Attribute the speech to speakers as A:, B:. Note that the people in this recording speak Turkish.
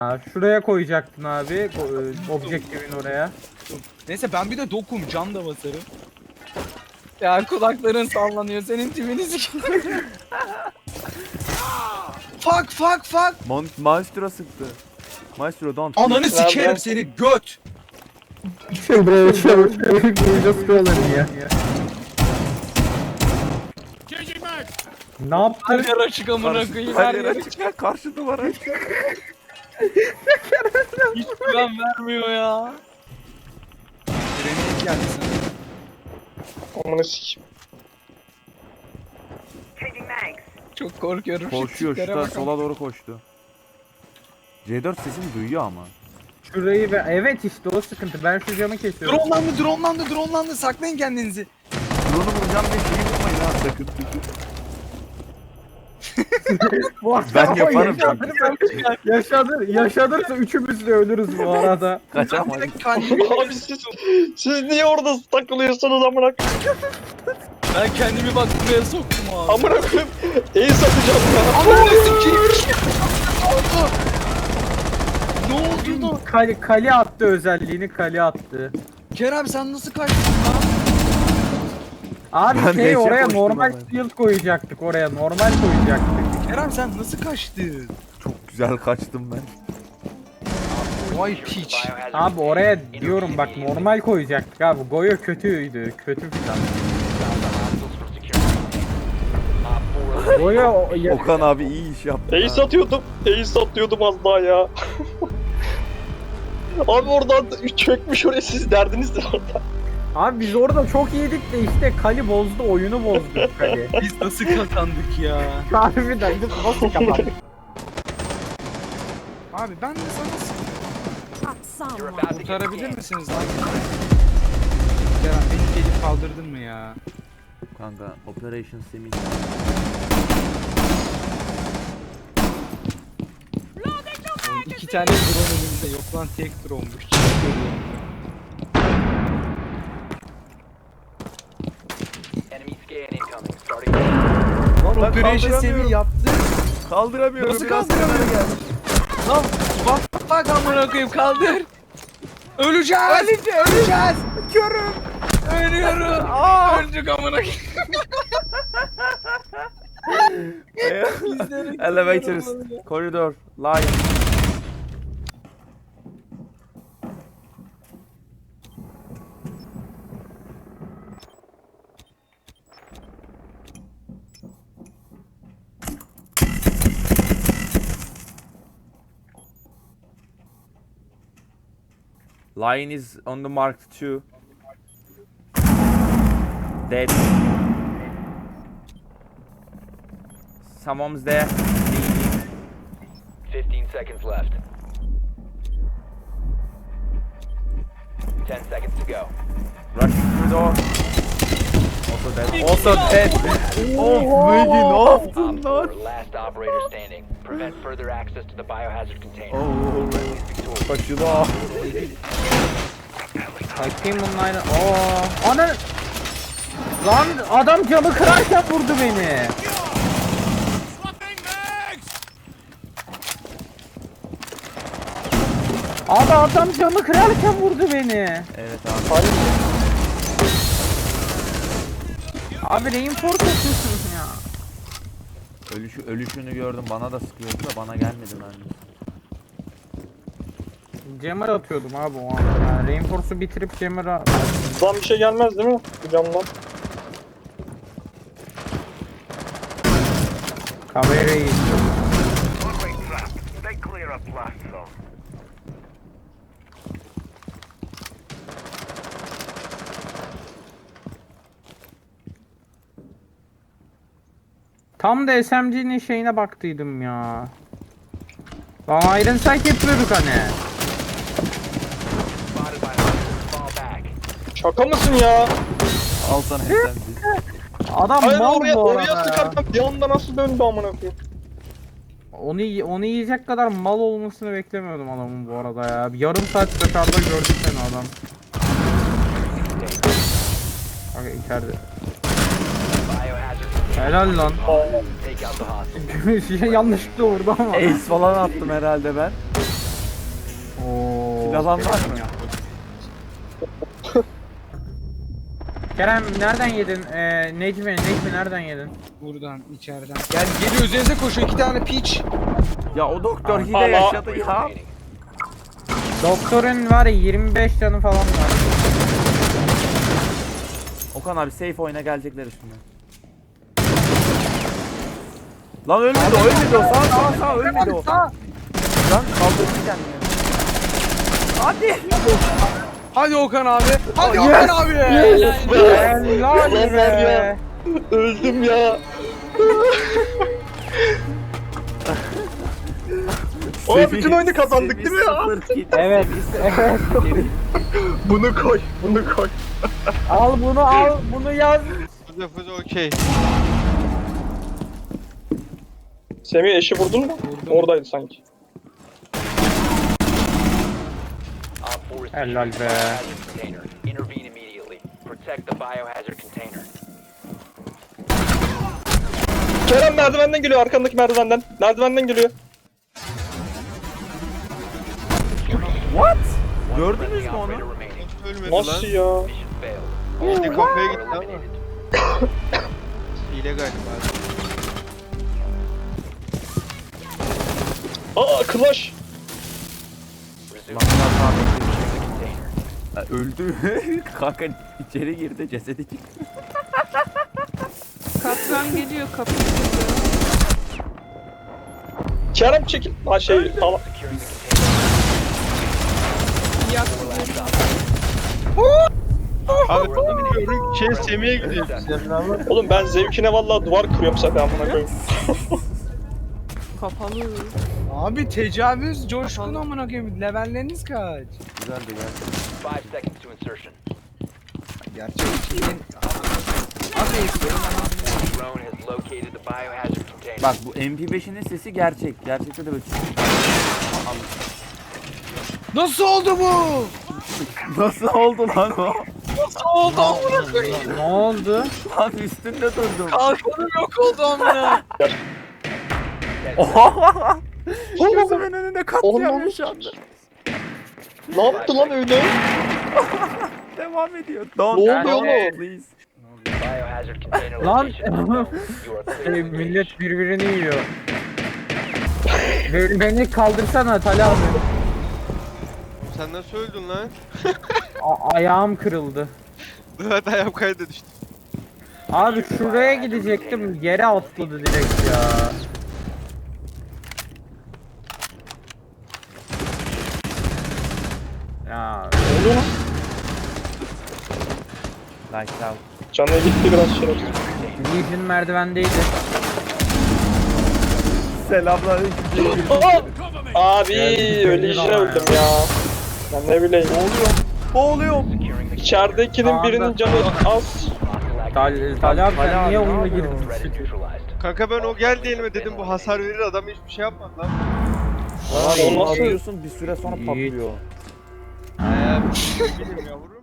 A: Ha, şuraya koyacaktın abi. Objektifin oraya.
B: Neyse ben bir de dokum can da basarım. Ya kulakların sallanıyor senin tipini sikiyorum. Fuck.
C: Maestro sıktı. Maestro don't.
B: Ananı sikerim seni göt.
A: Buraya koyacağız kuralını ya. Ne yaptın?
B: Her açık amına koyayım. Her yer açık.
C: açık. Karşı duvara açık.
B: Hiç güven vermiyor ya. Grenade geldi sana.
D: Amına sikeyim.
B: Çok korkuyorum. şu
C: Koşuyor
B: tiplere
C: şurada
B: bak.
C: sola doğru koştu. C4 sesini duyuyor ama.
A: Şurayı ve evet işte o sıkıntı. Ben şu camı kesiyorum.
B: Dronelandı. Saklayın kendinizi.
C: Drone'u vuracağım diye şeyi vurmayın ha sakın. Ben yaparım
A: Yaşadırsa üçümüz de ölürüz bu arada.
C: Kaçamayız.
D: Abi siz niye orada takılıyorsunuz amına koyayım?
B: Ben kendimi bak buraya soktum abi.
D: Amına koyayım. Ace atacağım ya.
B: Ananı sikeyim. Ne oldu lan?
A: Kali attı özelliğini kali attı.
B: Kerem sen nasıl kaçtın lan?
A: Abi
C: Ben
A: şey
C: neşe
A: oraya
C: koştum
A: normal
C: ama.
A: shield koyacaktık oraya normal koyacaktık.
B: Kerem sen nasıl kaçtın?
C: Çok güzel kaçtım ben.
B: Vay piç.
A: Abi oraya diyorum bak normal koyacaktık abi. Goyo kötüydü. Kötü plan. Goyo
C: Okan abi iyi iş yaptı.
D: Ace atıyordum. Ace atıyordum az daha ya. Abi oradan çökmüş oraya siz derdiniz de orada.
A: Abi biz orada çok yedik de işte Kali bozdu oyunu bozdu Kali.
B: Biz nasıl kazandık ya?
A: Harbiden biz nasıl kapandık?
B: Abi ben de sana kurtarabilir misiniz lan? Kerem beni gelip kaldırdın mı ya?
C: Kanka Operation Semih.
B: Oğlum, 2 tane drone önümüzde yok lan tek drone'muş. Lan
C: Ben
B: Operation
C: kaldıramıyorum.
B: Semih yaptı.
C: Kaldıramıyorum.
B: Nasıl
C: biraz
B: kaldıramıyorum?
C: kenara gel.
B: Lan bak amına koyayım kaldır. Öleceğiz. Öleceğiz. Körüm. Ölüyorum. Öldük amına koyayım.
C: Elevators, corridor, line. Lion is on the mark too. Dead. Someone's there.
E: 15 seconds left. 10 seconds to go.
C: Rushing through the door. Also dead. Also dead. Oh, Maggie, ne yaptın
E: Op
C: lan?
E: 4, last operator standing. Prevent further access to the biohazard container.
C: Oh,
E: Friendly's victorious.
C: kaşıda.
A: Bakayım bunlar. Ana. Lan adam camı kırarken vurdu beni. Abi adam camı kırarken vurdu beni.
C: Evet abi.
A: Abi reinforce atıyorsun ya.
C: Ölüşünü gördüm, bana da sıkıyordu da bana gelmedi mermi.
A: Jammer atıyordum abi o an. Yani reinforce'u bitirip jammer'a...
D: Lan bir şey gelmez değil mi? Bu camdan.
A: Kamerayı izliyorum. Tam da SMG'nin şeyine baktıydım ya. Lan Iron Sight yapıyorduk hani.
E: Spotted by hostiles. Fall back.
D: Şaka mısın ya?
C: Al sana SMG.
A: Adam
D: Hayır
A: mal
D: oraya,
A: bu
D: oraya
A: arada ya.
D: sıkarken bir anda nasıl döndü amına koyayım?
A: Onu yiyecek kadar mal olmasını beklemiyordum adamın bu arada ya. Yarım saat dışarıda gördük seni adam. Bak içeride.
E: Biohazard container.
A: Helal lan.
E: Take out the hostage.
A: Yanlışlıkla vurdu ama.
C: Ace falan attım herhalde ben.
A: Oo.
C: Yalan var mı?
A: Kerem nereden yedin? Necmi nereden yedin?
B: Buradan içeriden. Gel geliyor üzerinize koşuyor 2 tane piç.
C: Ya o doktor hile
D: Allah.
C: yaşadı ya.
E: Remaining.
A: Doktorun var ya 25 canı falan var.
C: Okan abi safe oyuna gelecekler üstüne. Lan ölmedi o sağ ölmedi o. Lan kaldırdı kendini. Hadi.
B: Hadi Okan abi. Hadi Okan abi.
A: Helal
D: Ulan var
A: be.
D: ya. Öldüm ya. Aa, bütün oyunu kazandık değil mi ya?
A: Evet. Evet.
D: Bunu koy. Bunu koy.
A: Al bunu yaz.
F: Fuze okey.
D: Semih eşi vurdun mu? Oradaydı sanki.
E: Op 4 is
A: Helal
E: securing the
A: be.
E: biohazard container. Intervene immediately. Protect the biohazard container.
D: Kerem merdivenden geliyor, arkandaki merdivenden. Merdivenden geliyor.
C: What?
E: One
C: Gördünüz
E: friendly
C: mü onu?
E: operator remaining.
F: Ölmedi lan.
D: Nasıl ya?
E: Mission failed.
F: İşte kafaya gitti
E: Four
F: ama.
E: eliminated.
F: Hile galiba.
D: Aa, Clash.
E: Resume the container.
C: Ha, öldü. Kanka içeri girdi cesedi çıktı.
G: Kaptan geliyor kapıyı kırdı.
D: Kerem çekil. Ha şey, tamam.
E: Securing the container.
G: Yaktı
E: Four last
G: beni.
E: op.
F: Abi
E: Four eliminated.
F: diyorum şey Semih'e gidiyor.
D: Oğlum ben zevkine vallahi duvar kırıyorum zaten amına koyayım.
G: Kapalı.
B: Abi tecavüz coşkun amına koyayım. Levelleriniz kaç?
C: Güzeldi geldi.
E: 5 seconds to insertion.
B: Gerçek için. Nasıl yapıyorum?
E: Drone has located the biohazard container.
C: Bak bu MP5'inin sesi gerçek. Gerçekte de böyle
B: Nasıl oldu bu?
C: Nasıl oldu lan o?
B: Nasıl oldu amına koyayım?
A: Ne oldu?
C: Lan üstünde durdum.
B: Kalkanım yok oldu amına.
C: Oha! Gözümün önünde katliam
D: Oğlum.
C: yaşandı.
D: Ne yaptı lan öyle?
C: Devam ediyor. Don't
D: Ne
C: act,
D: oluyor oğlum?
C: please.
E: Biohazard container
A: Lan.
E: location is known. You are clear to engage.
A: Millet birbirini yiyor. Beni kaldırsana Talha abi.
F: Sen nasıl öldün lan?
A: Ayağım kırıldı.
F: Evet ayağım kayda düştü.
A: Abi şuraya gidecektim. Yere atladı direkt ya. Ya
C: Lights out.
D: Canına gitti biraz şerefsiz.
A: Legion merdivendeydi.
C: Selamünaleyküm.
D: Abi öyle işine öldüm ya. Ben ne bileyim.
C: Boğuluyorum.
E: Securing the
D: İçeridekinin birinin canı az.
A: Talha abi
C: Talha
A: sen
C: abi,
A: niye
C: ne
A: onunla
C: yapıyorsun?
A: girdin?
E: threat is neutralized.
F: Kanka ben o geldi elime dedim bu hasar verir adam hiçbir şey yapmadı lan.
C: Aa,
D: O nasıl-
C: atıyorsun bir süre sonra patlıyor.
F: Ayağım. Bilmiyorum yavrum.